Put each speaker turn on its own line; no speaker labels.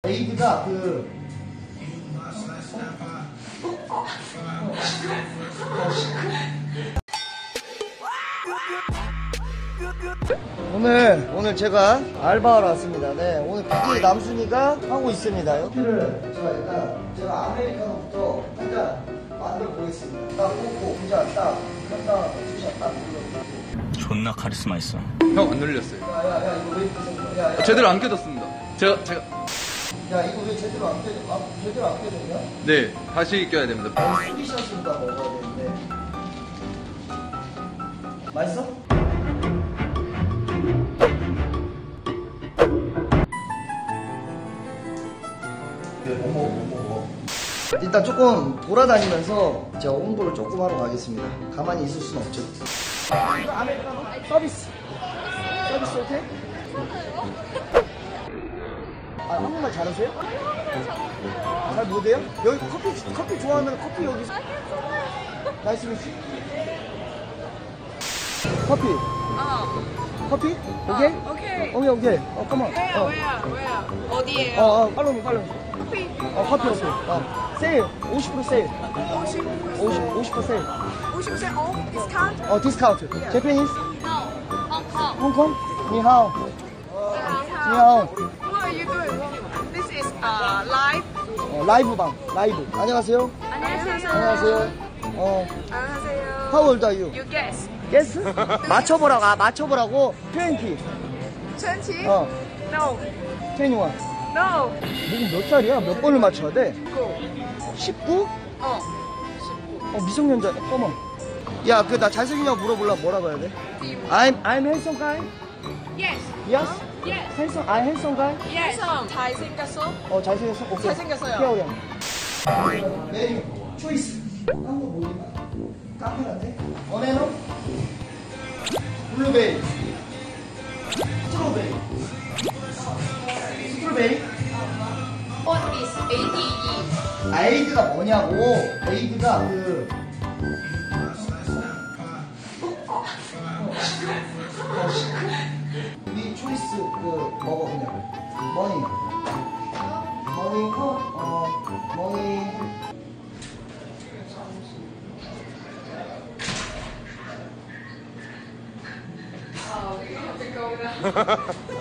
에이드가 오늘 제가 알바하러 왔습니다. 네, 오늘 PD 남순이가 하고 있습니다. 커피를 제가 아메리카노부터 한 잔 만들어 보겠습니다. 딱 꽂고 혼자 딱 한다 투샷 딱 눌러.
존나 카리스마 있어.
형 안 눌렸어요.
야 이거 왜 이렇게 야,
제대로 안 껴졌습니다. 제가
야 이거 왜 제대로 안 껴졌냐?
네 다시 껴야 됩니다.
수리샷으로 다 먹어야 되는데. 맛있어? 못 먹어. 일단 조금 돌아다니면서 제가 홍보를 조금 하러 가겠습니다. 가만히 있을 수는 없죠. 아메리카노 서비스 오케이? 아, 한국말 잘하세요? 잘 못해요? 여기 커피 좋아하면 커피 여기 나이스 미치 커피 커피? 오케이? 오케이 컴온
Where? 어디에요?
팔로우
커피?
커피 세일 50% 세일 50% 세일
50% off? Discount?
디스카운트 제페니스?
No. Hong Kong.
홍콩? 니하오
What are you doing? This is live.
라이브 안녕하세요.
안녕하세요.
안녕하세요.
안녕하세요.
How old are you?
You guess.
Guess? 맞춰보라고 20
20?
어
No.
21
No.
몇 살이야? 몇 번을 맞춰야 돼?
9.
19?
어.
미성년자 어머 야 그 나 잘생기냐고 물어보려면 뭐라고 해야 돼? I'm handsome guy?
Yes.
Yes?
Yes.
I'm handsome guy?
Yes. 잘생겼어?
잘생겼어? 오케이
잘생겼어요.
귀여워 메뉴 초이스 한국 뭐냐 카페라떼 어네노 블루베리 스트로베리
What is ADE?
아이드가 뭐냐고 에이드가 이 초이스 먹어 그냥 머니
Oh, you have to go now.